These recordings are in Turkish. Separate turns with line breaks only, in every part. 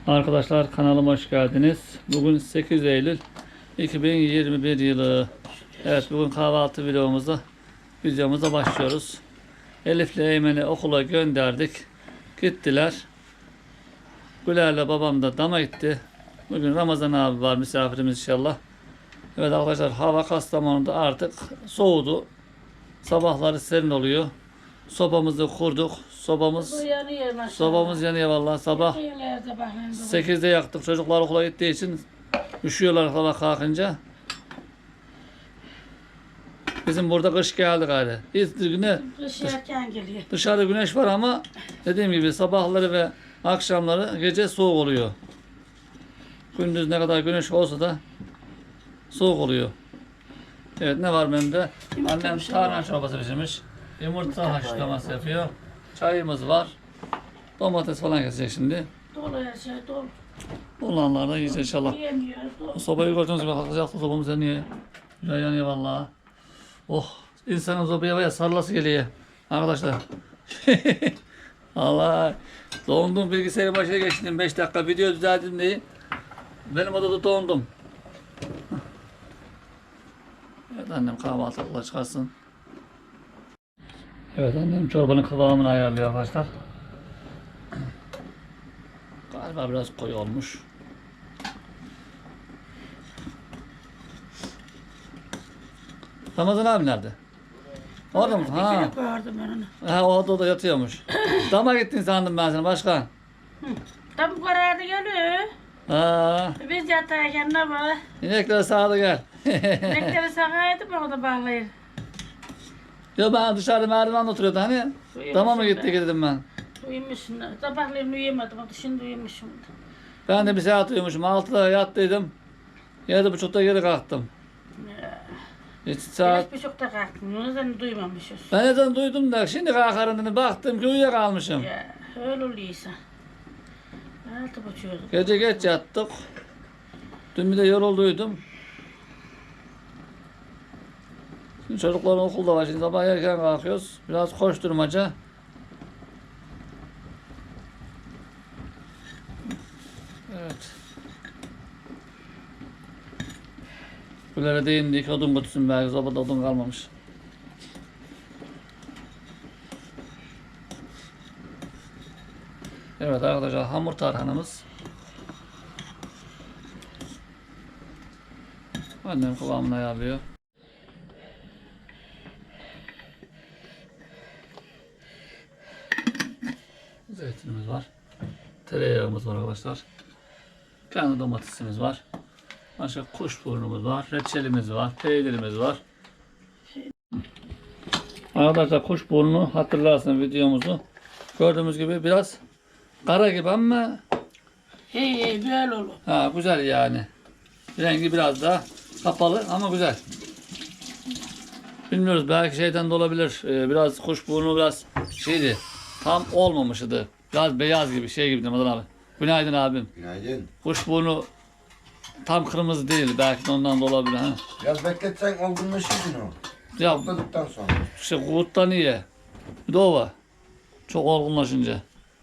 Arkadaşlar kanalıma hoş geldiniz. Bugün 8 Eylül 2021 yılı. Evet, bugün kahvaltı videomuza başlıyoruz. Elif'le Eymen'i okula gönderdik. Gittiler. Güler'le babam da dama gitti. Bugün Ramazan abi var, misafirimiz inşallah. Evet arkadaşlar, hava Kastamonu'da artık soğudu. Sabahları serin oluyor. Sobamızı kurduk. Sobamız yanıyor vallahi. Sabah 8'de yaktık. Çocuklar okula gittiği için üşüyorlar sabah kalkınca. Bizim burada kış geldi galiba.
Kış erken geliyor.
Dışarıda güneş var ama dediğim gibi sabahları ve akşamları gece soğuk oluyor. Gündüz ne kadar güneş olsa da soğuk oluyor. Evet, ne var benim de? Annem tarhana çorbası pişirmiş. Yumurta haşlaması yapıyor. Çayımız var. Domates falan kesecek şimdi.
Dolu her şey dolu.
Olanlar da yiyeceğiz inşallah.
Yiyemiyoruz dolu.
Sobayı gördüğünüz gibi sıcakta sobamız yanıyor. Güzel yanıyor vallahi. Oh, insanın sobaya baya sarılası geliyor. Arkadaşlar. Allah. Dondum, bilgisayarın başına geçtim. 5 dakika video düzelttim diye. Benim odada dondum. Evet, annem kahvaltılıkla çıkarsın. Evet, annem çorbanın kıvamını ayarlıyor arkadaşlar. Galiba biraz koyu olmuş. Ramazan abi nerede? Orada mı? Ha.
Gördüm ben onu.
Ha, o odada yatıyormuş. Dama gittin sandım ben seni başkan.
Tam bu kararda geliyor.
Ha.
Biz yatarken ne var?
İnekler sağda gel.
Bekleri sakaydı mı o da bağlayır.
Ya ben dışarıda merdivende oturuyordu hani. Dama mı gitti dedim ben.
Uyumuşsun. Sabahleyin uyuyamadım. Şimdi uyumuşum.
Ben de bir saat uyumuşum. 6'da yattıydım. 7.30'da geri kalktım. Hiç saat...
5.30'da kalktım. Onu da duymamışız.
Ben neden duydum da şimdi kalkarım dedim. Baktım ki uyuyakalmışım.
Ya öyle oluyorsa. 6.30'da.
Gece geç yattık. Dün bir de yorulduydum. Şimdi çocukların okulda var. Şimdi sabah erken kalkıyoruz. Biraz koşturmaca. Evet. Kulere değindik. Odun kutusun belki. Sobada odun kalmamış. Evet arkadaşlar, hamur tarhanamız. Annem kıvamını ayarlıyor. Zeytinimiz var. Tereyağımız var arkadaşlar. Kendi domatesimiz var. Başka kuşburnumuz var. Reçelimiz var. Peynirimiz var. Arkadaşlar, kuşburnu hatırlarsın videomuzu. Gördüğümüz gibi biraz kara gibi ama
Hey böyle olur.
ha, güzel yani. Rengi biraz daha kapalı ama güzel. Bilmiyoruz, belki şeyden de olabilir. Biraz kuşburnu biraz şeydi. Tam olmamıştı. Biraz beyaz gibi şey gibi Ramazan abi. Günaydın abim.
Günaydın.
Kuşburnu tam kırmızı değil. Belki de ondan da olabilir. Ha?
Biraz bekletsen olgunlaşırdın o.
Ya
Topladıktan sonra.
işte kurttan iyi. Bir de o var. Çok olgunlaşınca.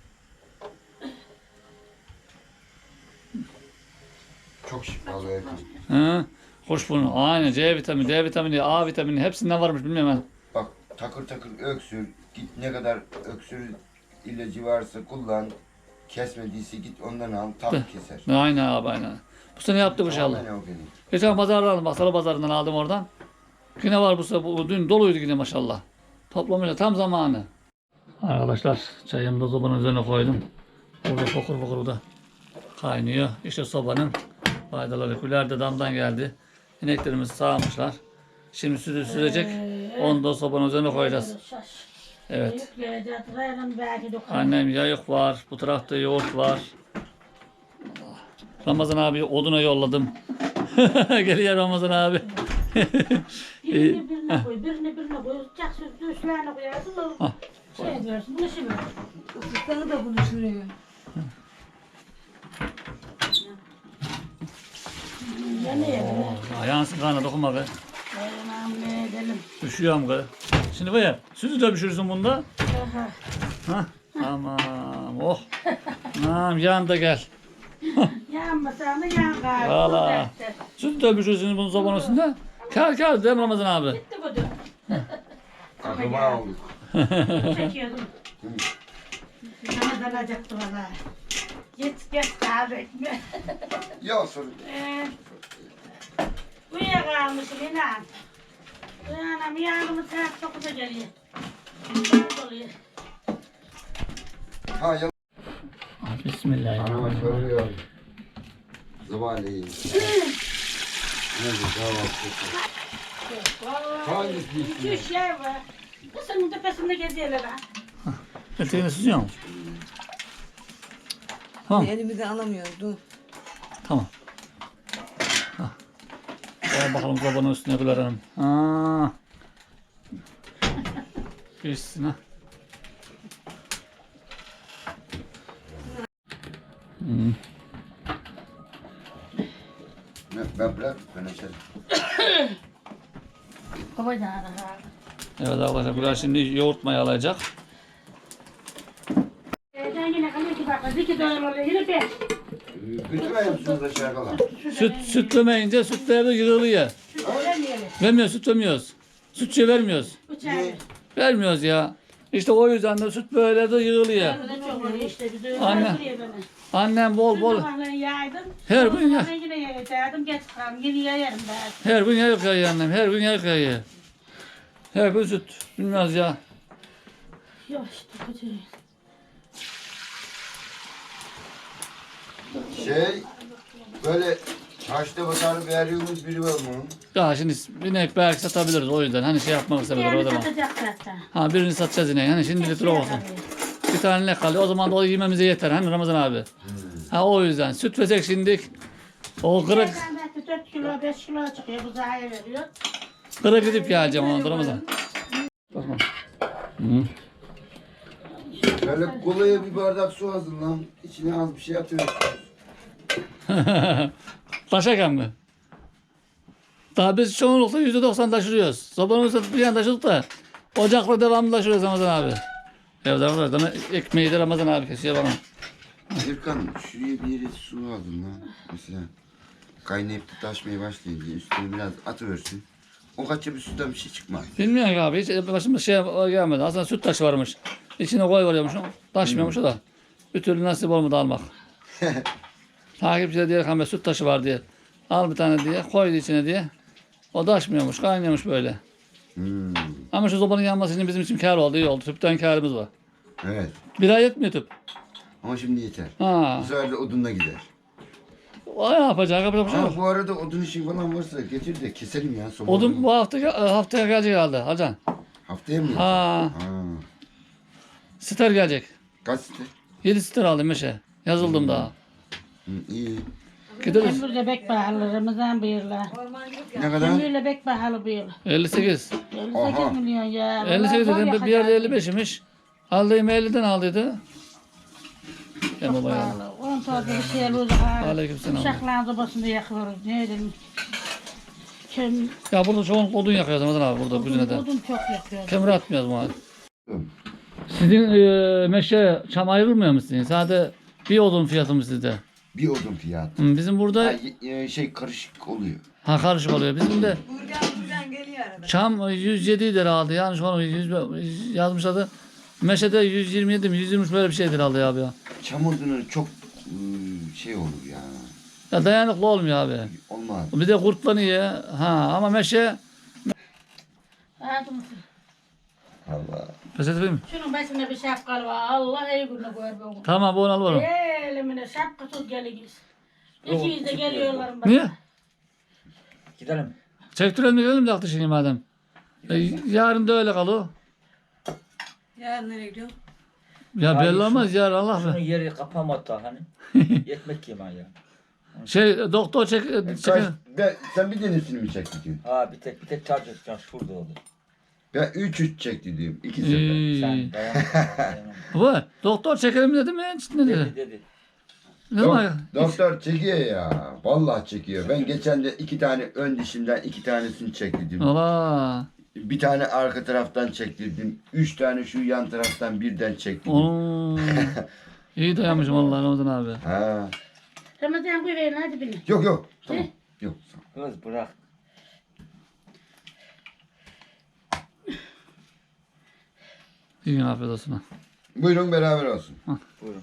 Çok şifalı yakın.
Hı? Kuşburnu. Aynen. C vitamini, D vitamini, A vitamini hepsinden varmış, bilmiyorum ben.
Bak takır takır öksür. Git ne kadar öksür ilacı varsa kullan. Kesmediyse git ondan al. Tam keser.
Aynen abi, aynen. Bu sene yaptık inşallah.
Tamamen o benim.
Geçen pazardan aldım. Bak, salı pazarından aldım oradan. Yine var bu sefer. Dün doluydu yine maşallah. Toplamışlar tam zamanı. Arkadaşlar, çayımı da sobanın üzerine koydum. Burada fokur fokur da kaynıyor. İşte sobanın faydaları. Güler de damdan geldi. İneklerimiz sağmışlar. Şimdi sütü sürecek. Onu da sobanın üzerine koyacağız. Evet. Annem yayık var. Bu tarafta yoğurt var. Ramazan abi oduna yolladım. Geliyor Ramazan abi.
Birine koy, birine koy. Çak sütlü üstlerine koyarsın. Şey diyorsun, bunu şimdi.
Isıtları da bunu şuraya.
Yansın karnına dokunma be.
Ne edelim.
Üşüyorum be. Şimdi böyle sütü de pişirirsin bunda.
Aha.
Hah. Tamam. Oh. Tamam, yan da gel.
Yanmasa da yan gari.
Valla. Süt dövmüşürsünüz bunun sobanın üstünde. Kar değil mi Ramazan abi?
Gitti bu da.
Akraba olduk.
Çekiyordum. Ramazan alacaktı valla. Git kahve ekme.
Ya sorun.
Uyuyakalmışım inan. Uyanam yanımı saat 9'a geliyor. Saat oluyor.
Ha ya.
Bismillahirrahmanirrahim.
Anama soruyor. Sabahleyin. Neyse kahvaltı. Hangisi?
İki üç yer var. Kısımın tepesinde geziyorlar ha.
Eteğini süzüyor musun? Tamam.
Elimizi alamıyoruz. Dur.
Tamam. Gel bakalım sobanın üstüne koyalım. Aa. Pişsin ha.
Ben bırak, ben açarım.
Baba da ara.
Evet arkadaşlar bunlar şimdi yoğurt mayalayacak.
Ben yine kalıyor ki bak. İki dolar oluyor. Yine beş.
Götürmeyeyim musunuz aşağı kadar?
Sütlemeyince sütleri de yığılıyor.
Süt vermeyelim.
Vermiyoruz, süt vermiyoruz. Sütçü vermiyoruz.
Bıçağı.
Vermiyoruz ya. İşte o yüzden de süt böyle de yığılıyor.
Burada çok oluyor işte. Bir de
Anne.
öldürüyor beni.
Annem bol bol
Sabahleyin yaydım.
Her gün ya.
Ben yine yaydım. Geç kaldım. Yine yayarım ben.
her gün yayık yayıyor annem. Her gün yayık yayıyor. Her gün süt. Bilmez ya.
Yok işte kötü.
Böyle çarşıda pazarı veriyorsunuz biri var mı?
Ya şimdi inek belki satabiliriz o yüzden. Hani şey yapmak istemedim o
Diğerini
zaman.
satacak zaten.
Ha birini satacağız ineği. Hani şimdilik olsun. Bir tane ne kalıyor? O zaman da o yememize yeter. Hani Ramazan abi. Ha o yüzden. Süt versek şimdilik. O kırık.
Nereden belki 4 kilo 5 kilo çıkıyor. Bu zahaya veriyor.
Kırık gidip geleceğim onu Ramazan. Bakma. Hı.
Böyle kolaya bir bardak su hazırlan. İçine az bir şey atıyorsun.
Taşarken mi? Daha biz çoğunlukla %90 taşırıyoruz. Sobanın üstüne bir yan taşıdık da ocakla devamlı taşırıyoruz Ramazan abi. Evet arkadaşlar ekmeği de Ramazan abi kesiyor bana.
Erkan şuraya bir yere su hazırlan. Mesela kaynayıp da taşmaya başlayınca üstüne biraz atıversin. O kaçça bir sudan bir şey çıkmaz.
Bilmiyorum ki abi hiç başıma şey gelmedi. Aslında süt taşı varmış. İçine koy varıyormuş. Taşmıyormuş o da. Bir türlü nasip olmadı almak. Takipçiler diye kamera süt taşı var diye. Al bir tane diye koydu içine diye. O taşmıyormuş kaynıyormuş böyle. Ama şu sobanın yanması için bizim için kâr oldu iyi oldu. Tüpten kârımız var.
Evet.
Bir ay yetmiyor tüp.
Ama şimdi yeter.
Ha.
Bu sefer de odunla gider.
O yapacak bir şey yok.
Bu arada odun işi falan varsa getir de keselim ya. Soba
Odun bu haftaya gelecek herhalde. Hacan.
Haftaya mı?
Ha.
Ha.
Siter gelecek.
Kaç site?
7 siter aldım meşe. Yazıldım daha.
İyi.
Gideriz.
Ömürle bek pahalı Ramazan bıyırlar.
Ormancılık
Ne kadar?
Ömürle bek pahalı bu yıl.
58.
58 milyon ya.
58
Vallahi
dedim
zor
bir yerde
yakacak.
55'imiş. Aldığım 50'den aldıydı. Ya baba ya.
Pahalı. 10 tane bir şey alıyoruz. ha.
Aleykümselam.
Uşakların sobasında yakıyoruz. Ne edelim. Köm,
Ya burada çoğunlukla odun yakıyoruz Ramazan abi burada Güzine'de.
odun çok yakıyoruz.
Kömür atmıyoruz mu abi? Sizin meşe çam ayrılmıyor mu sizin? Sadece bir odun fiyatı mı sizde?
Bir odun fiyatı.
Bizim burada
Şey karışık oluyor.
karışık oluyor. Bizim de
buradan geliyor arada.
çam 107 lira aldı. Yanlış onu yazmış adı. Meşede 127 mi 120 böyle bir şeydir aldı ya abi ya.
Çam odunu çok şey olur ya.
Ya dayanıklı olmuyor abi.
Olmaz.
Bir de kurtlanıyor. Ha ama meşe
Hadi mısın?
Allah.
pes edeyim mi?
Şunun başında bir şapkalı var. Allah iyi günü koyar bu.
Tamam bu onu alalım.
Elimine şapka tut geliyoruz. İkimiz de geliyorlar bana.
Niye?
Gidelim.
Çektirelim de gidelim de aklı şimdi madem. Yarın da öyle kalır.
Yarın nereye gidiyorsun?
Ya belli olmaz yarın Allah
Şunun
be.
yeri kapamadı daha hani. Yetmek ki ya.
Doktor çek.
Sen bir tanesini mi çekti?
Ha bir tek charge edeceğim şurada oldu.
Ben 3 çekti diyorum. 2 sefer.
Sen dayanamazsın.
Doktor çekelim dedi mi? Ne dedi?
Dedi.
Ne zaman?
Doktor çekiyor ya. Vallahi çekiyor. Ben geçen de 2 tane ön dişimden 2 tanesini çektirdim.
Allah.
Bir tane arka taraftan çektirdim. 3 tane şu yan taraftan birden çektirdim.
Oo. İyi dayanmışım Allah Ramazan abi.
Ha.
Ramazan koy verin hadi beni.
Yok yok. Tamam. Yok. Tamam.
Kız bırak.
İyi afiyet olsun. Ha.
Buyurun beraber olsun.
Buyurun.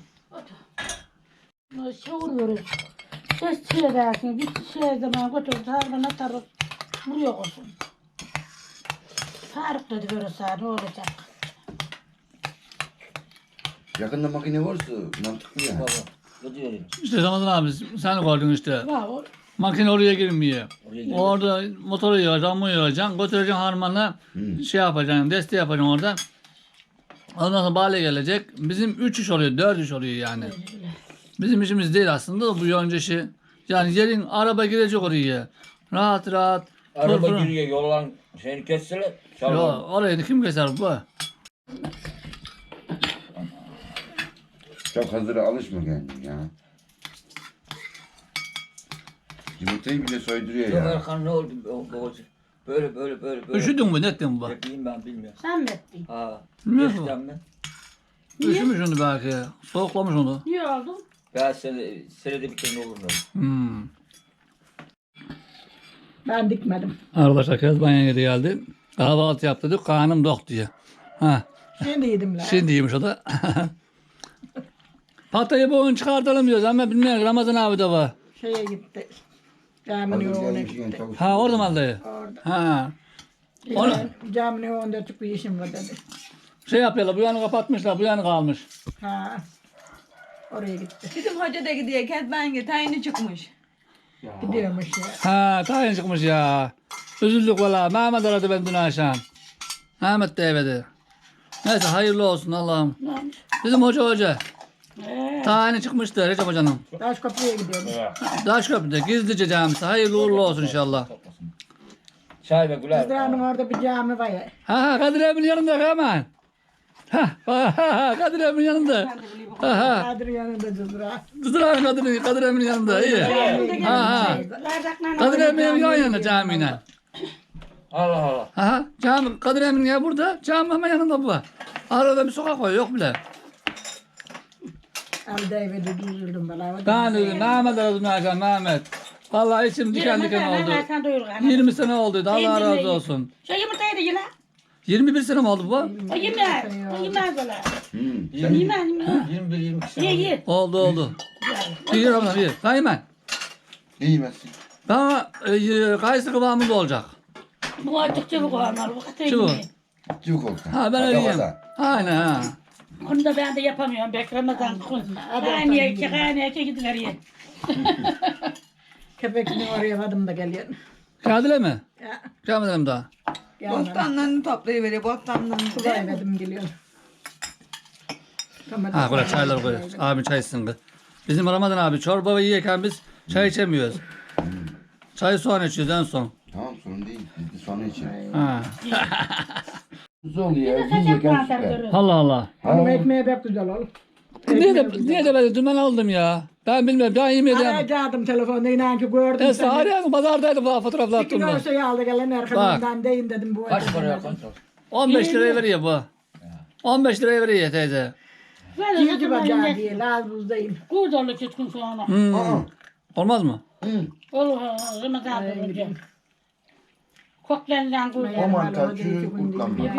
Şey vuruyoruz. Ses çiğdersin. Bir şey zaman götürüp tarhana atarız. Buraya olsun. Tarık dedi böyle sağ ne olacak?
Yakında makine varsa mantıklı ya.
Baba. Ne diyorum?
İşte Ramazan abi sen gördün işte.
Var o.
Makine oraya girmiyor.
Oraya gel.
Orada motoru yığacaksın, mu yığacaksın, götüreceksin harmanla şey yapacaksın, deste yapacaksın orada. Ondan sonra bale gelecek. Bizim 3 iş oluyor, 4 iş oluyor yani. Bizim işimiz değil aslında bu yonca işi. Yani yerin araba girecek oraya. Rahat rahat.
Araba
fır fır.
giriyor yollan şeyini kesseler.
Yo,
Çalma.
orayı kim keser bu?
Çok hazıra alışma kendin ya. Yumurtayı bile soyduruyor
Yok
ya.
Erkan ne oldu babacığım? Böyle.
Üşüdün mü, ne ettin bu?
Yapayım ben bilmiyorum.
Sen mi ettin?
Ha.
Bilmiyorum.
Geçtim ben.
Üşümüş onu belki. Soğuklamış onu.
Niye oldun?
Ben senede bir kere olur mu?
Hmm.
Ben dikmedim.
Arkadaşlar Kezban'a geri geldi. Kahvaltı yaptırdık, karnım dok diye. Ha,
Şimdi yedim lan.
şimdi yemiş o da. Patayı bugün çıkartalım diyoruz ama bilmiyorum Ramazan abi de var.
Şeye gitti.
Hazır
Caminin önüne
gelmişken
gitti.
tavuk.
Ha orada mı aldı?
Orada.
Ha. Onu-
Caminin önünde çok bir işim var dedi.
Şey yapıyorlar, bu yanı kapatmışlar, bu yanı kalmış.
Ha. Oraya gitti.
Bizim hoca da gidiyor. Kezban tayini çıkmış.
Gidiyormuş ya.
Ha, tayin çıkmış ya. Üzüldük valla. Mehmet aradı ben dün akşam. Mehmet de evde. Neyse hayırlı olsun Allah'ım. Bizim hoca. Tayini çıkmıştı Recep Hoca'nın.
Taş kapıya gidiyormuş.
Daşköprü'de gizlice camisi. Hayırlı uğurlu olsun inşallah.
Çay ve güler.
Kızlarının orada bir cami var ya.
Ha Kadir Emin'in yanında hemen. Ha Kadir Emin'in yanında. Ha
Kadir yanında cızra.
Kızlar Kadir Emin'in yanında. İyi. Ha.
Bardakla
Kadir Emin'in yan yana camiyle.
Allah Allah.
Aha, cami Kadir Emin ya burada. Cami hemen yanında bu. Arada bir sokak var yok bile.
Al devede düzüldüm bana.
Ben dedim Mehmet aradım akşam Mehmet. Vallahi içim diken diken oldu.
Sen doyur galiba.
20 sene oldu. Allah razı olsun.
Şu yumurtayı da yine.
21 sene mi oldu bu?
O yemez. O yemez öyle.
Hmm.
Yemez.
21-22 sene.
Ye ye.
Oldu. İyi Ramazan iyi. Kaymen.
Ne yemezsin?
Bana kayısı kıvamında olacak.
Bu artık çabuk olmalı. Bu kadar
Çabuk.
yemeyin.
Cıvık olsun.
Ha ben öyle yiyeyim. Aynen ha.
Onu da ben de yapamıyorum. Bek Ramazan. Kaynaya gidiveriyor.
Köpekini oraya vadım da geliyor.
Geldiler mi?
Ya.
Gelmedim daha.
Yanına.
Bostanlarını toplayıveriyor. Bostanlarını.
Suda yemedim geliyor.
Ha böyle çaylar koyuyoruz. Abi çay içsin kız. Bizim Ramazan abi çorba yiyerken biz çay içemiyoruz. Çay soğan içiyoruz en son.
Tamam sorun değil. Biz de sonra içeriz.
Ha.
Nasıl oluyor ya?
Kaçak
Yiyecekken
mantar
süper.
görürüz.
Allah Allah.
Onun ekmeği pek güzel olur.
Niye de ben dümen aldım ya? Ben bilmiyorum. Ben yemedim.
Arayacaktım telefonda inan ki gördüm
Neyse
seni.
arayan pazardaydı bu fotoğraflar
Bir kilo
attığımda.
şey aldı gelen arkamdan deyin dedim bu.
Kaç paraya koydun?
15 liraya veriyor bu. 15 liraya veriyor teyze.
Böyle
Yiyeci
satın
bacağı
alın.
değil az buzdayım.
Kurdolu çıtkın sonra.
Hmm. Olmaz mı?
Olur Ramazan olunca. Koklarından kurdolu.
O mantar çürür kurtlanmaz.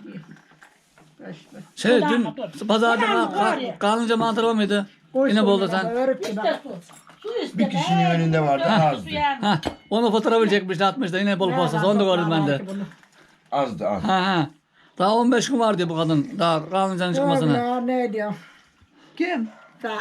Şey
Ulan
dün
dur.
pazarda
Ulan var ya.
kalınca mantar var mıydı? Yine bolda sen.
İşte su. Su iste.
Bir kişinin önünde vardı azdı.
Su yani.
Ha, onu fotoğrafı çekmişti atmıştı yine bol postası onu da gördüm ben de.
Azdı az.
Ha. Daha 15 gün var diyor bu kadın. Daha kalıncanın çıkmasına.
Ya ne diyor?
Kim?
Sen.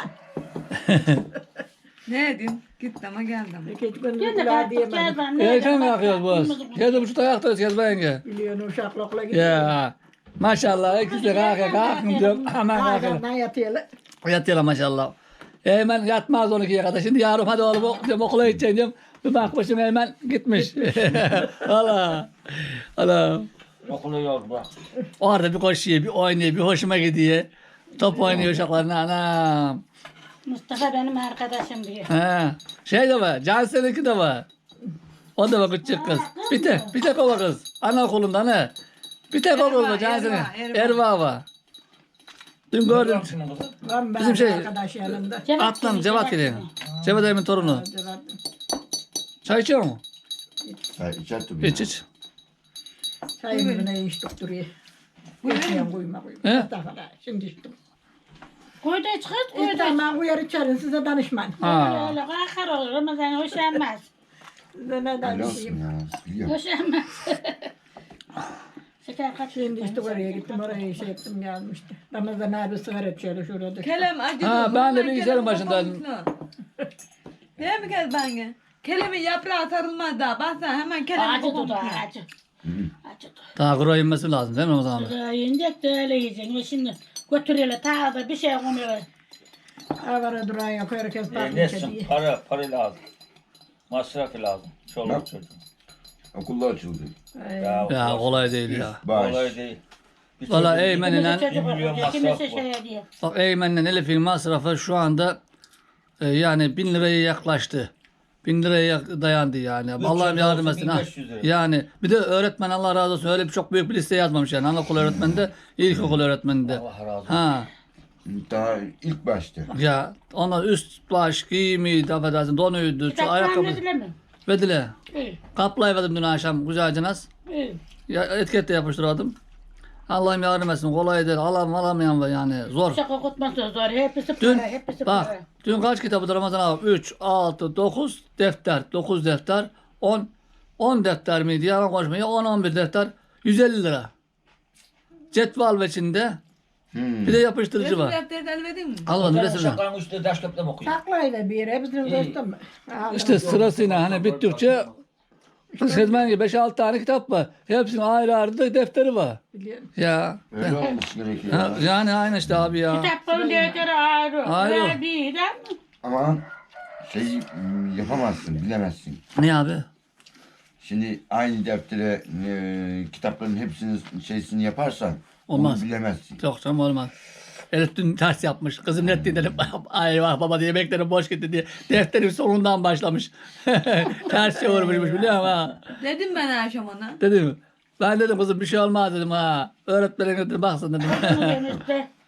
Ne edin? Git ama geldim.
İki gün
Gel de
kulağa
kalktık
diyemedim.
gel ben.
Erken mi yakıyoruz bu? 7.30'da yaktırız Kezban yenge.
Biliyorsun uşaklıkla gidiyor.
Ya. Maşallah ikisi de kalkın diyor. Hemen kalkın.
Ağzından yatıyorlar.
Yatıyorlar maşallah. Hemen yatmaz 12'ye kadar. Şimdi yarın hadi oğlum okula gideceğim diyorum. Bir bakmışım hemen gitmiş. Allah. Allah.
Okula yol bırak.
Orada bir koşuyor, bir oynuyor, bir hoşuma gidiyor. Top oynuyor uşaklarına anam.
Mustafa benim arkadaşım diyor.
Ha. Şey de var, Cansel'inki de var. O da var küçük kız. Bir tek o var kız. Anaokulunda ne? Bir tek o kız var Cansel'in. Erva var. Dün gördüm.
Var mı
Bizim
bizim
şey-
arkadaş yanında?
Atlan Cevat geliyor. Cevat Emin torunu. Çay içiyor mu?
İçer tabii.
İç iç.
Çayımı ne içtik duruyor. Koymayayım koyma.
He?
Şimdi içtim.
Koyda çıkart koyda.
Tamam uyar içerim size danışman.
Ha.
Öyle kakar olur. Ramazan hoşlanmaz.
Size ne
Öyle olsun
danışayım.
ya. Biliyorum.
Hoşlanmaz. Şeker kaç.
Şimdi işte oraya gittim oraya şey ettim gelmişti. Ramazan abi sigara içiyordu şurada.
Kelem acıdı.
Ha, ben de
Hemen
bilgisayarın
kelem
başındaydım.
kapanmışlar. Değil mi Kezban? Kelemin yaprağı sarılmaz daha. Baksana hemen kelem
Acı dudu
kapanmışlar.
acı. Acı dudu.
Daha kuru inmesi lazım değil mi o zaman?
Yiyecek de öyle yiyeceksin. O şimdi götürüyorlar ta da bir şey konuyorlar.
Avara duran yok herkes bakmış
Nesin?
diye.
Para lazım. Masrafı lazım. Çoluk çocuğun.
Okullar açıldı.
Ya kolay değil ya.
Baş.
Kolay değil. Bir
Valla
çocuk-
Eymen'le
Bir milyon masraf
Kimisi
var.
şey diye.
bak Eymen'le Elif'in masrafı şu anda yani 1000 liraya yaklaştı. 1000 liraya dayandı yani. Allah'ım
çocuğu
yardım
olsun
etsin ha.
1500 lira.
Yani bir de öğretmen Allah razı olsun öyle bir çok büyük bir liste yazmamış yani. Anaokul öğretmeninde, ilkokul öğretmeninde.
Allah razı olsun.
Ha.
Daha ilk başta.
Ya ona üst baş giyimiydi, affedersin, donuydu, şu
Kitaplar
ayakkabı.
verdiler mi?
Vedile.
İyi.
Kaplayıverdim dün akşam güzelce nas.
İyi.
Ya, etiket de yapıştırdım. Allah'ım yardım etsin. Kolay değil. alamayan var yani. Zor.
Şaka okutması zor. Hepsi
Dün
para. Hepsi
bak.
para.
Dün kaç kitabı Ramazan abi? 3, 6, 9 defter. 9 defter. 10 defter miydi? Yalan konuşmayı. 10-11 defter. 150 lira. Cetvel ve içinde. Bir de yapıştırıcı
Resim
var.
defteri de elvedin mi?
Almadım
Hocam
resimden.
şakanın üstüne taş köprü okuyor.
Saklayla bir yere hepsini dostum.
İşte sırasıyla hani bittikçe Sezmen gibi 5-6 tane kitap var. Hepsinin ayrı ayrı da defteri var.
Biliyorum.
Ya.
Öyle olması gerekiyor.
Ha, yani aynı işte abi ya.
Kitapların değerleri ayrı.
Ayrı.
Ve bir de
Ama şey yapamazsın, bilemezsin.
Ne abi?
Şimdi aynı deftere kitapların hepsinin şeysini yaparsan
Olmaz.
onu bilemezsin.
Yok canım olmaz. Elif dün ters yapmış. Kızım ne dedim. Ay vah baba diye yemeklerim boş gitti diye. Defterin sonundan başlamış. Ters çevirmişmiş biliyor musun ha?
Dedim ben akşam ona.
Dedim. Ben dedim kızım bir şey olmaz dedim ha. Öğretmenin dedim baksın dedim.
bunu demişti.